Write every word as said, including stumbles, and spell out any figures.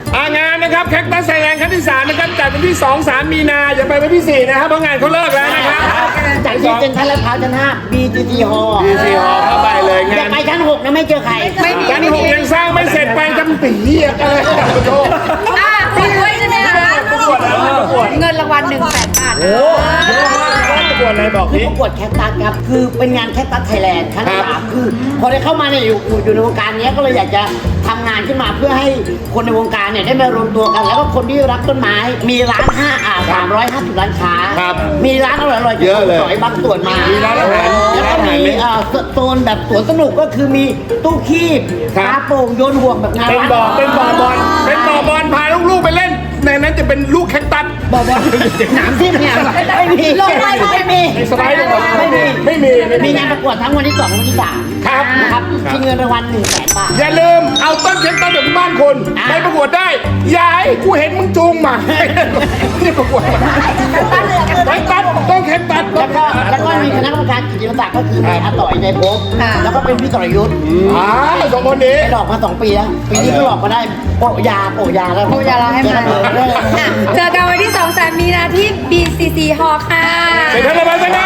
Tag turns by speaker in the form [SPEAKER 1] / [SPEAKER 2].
[SPEAKER 1] งานนะครับแคคตัสไทยแลนด์ครั้งที่สามนะครับจัดวันที่สอง สามมีนาอย่าไปวันที่สี่นะครับเพราะงานเขาเลิกแล้วนะครับ
[SPEAKER 2] จากที่เซ็นทรัลลาดพร้าวชั้นห้า บี จี ที Hall
[SPEAKER 1] ดีซีฮอเข้าไปเลย
[SPEAKER 2] อง
[SPEAKER 1] า
[SPEAKER 2] ย่าน ไปชั้นหกนะไม่เจอใคร
[SPEAKER 3] ไม่มี
[SPEAKER 1] ชั้นหกยังสร้างไม่เสร็จไปจำปีอะไรโทษ
[SPEAKER 3] อ่ะติดไว้ใช่ไหมคะเงินรางวัลหนึ่งแสนบาท
[SPEAKER 1] โอ้ประกวดอะไรบอก
[SPEAKER 2] คือ
[SPEAKER 1] นี้
[SPEAKER 2] ประกวดแคคตัสครับ คือเป็นงานแคคตัสไทยแลนด์ครั้งที่
[SPEAKER 1] ครับ
[SPEAKER 2] สามคือ พอได้เข้ามาเนี่ยอยู่อยู่อยู่ในวงการเนี้ยก็เลยอยากจะทำงานขึ้นมาเพื่อให้คนในวงการเนี่ยได้มารวมตัวกัน แล้วก็คนที่รักต้นไม้มีร้านห้าอ่าสามร้อยห้าสิบร้านค้า
[SPEAKER 1] ครับ
[SPEAKER 2] มีร้านอร่อยๆ
[SPEAKER 1] เยอะเลย
[SPEAKER 2] สอยบางส่วนมา
[SPEAKER 1] มีร้านอาหาร
[SPEAKER 2] แล้วก็มีเอ่อโซนแบบสวนสนุกก็คือมีตู้คีบ
[SPEAKER 1] ครับ
[SPEAKER 2] ปลาโป่งโยนห่วงแบบงาน
[SPEAKER 1] เป็น
[SPEAKER 2] วัด
[SPEAKER 1] บ่อเป็นบ่อบอลเป็นบ่อบอลพาลูกๆไปเล่นในนั้นจะเป็นลูกแคคตัส
[SPEAKER 2] บ่อบอลหนามทิ่มเนี่ยไม่มี
[SPEAKER 3] ลงไปเลย
[SPEAKER 2] ไม่มี
[SPEAKER 1] สไลด์ลงมา
[SPEAKER 2] ไม่มี
[SPEAKER 1] ไม่มีไม่มี
[SPEAKER 2] มีงานประกวดทั้งวันที่สองวันที่สาม
[SPEAKER 1] ครับ
[SPEAKER 2] นะครับชิงเงินรางวัลหนึ่งแสนบาท
[SPEAKER 1] อย่าลืมเอาต้นแคคตัสจากบ้านคุณ
[SPEAKER 2] อ่า
[SPEAKER 1] ไปประกวดได้อย่าให้กูเห็นมึงจูงมานี่ประกวดมาแคคตัสต้องแคคตัส
[SPEAKER 2] แล้วก็แล้วก็มีคณะกรรมการกิตติมศักดิ์ก็คือมีอาต่อยในภพแล้วก็เป็นพี่ต่อยยุทธ
[SPEAKER 1] อ่าสองคนนี้
[SPEAKER 2] ไปหลอกมาสองปีแล้วปีนี้ก็หลอกมาได้โปะยาโปะยาแล้ว
[SPEAKER 3] โปะยาเราให้มา
[SPEAKER 2] เออเออเออ
[SPEAKER 3] เจอกันวันที่สอง สามมีนาที่ บี ซี ซี Hall ค่ะ
[SPEAKER 1] เป็นท่านละพัน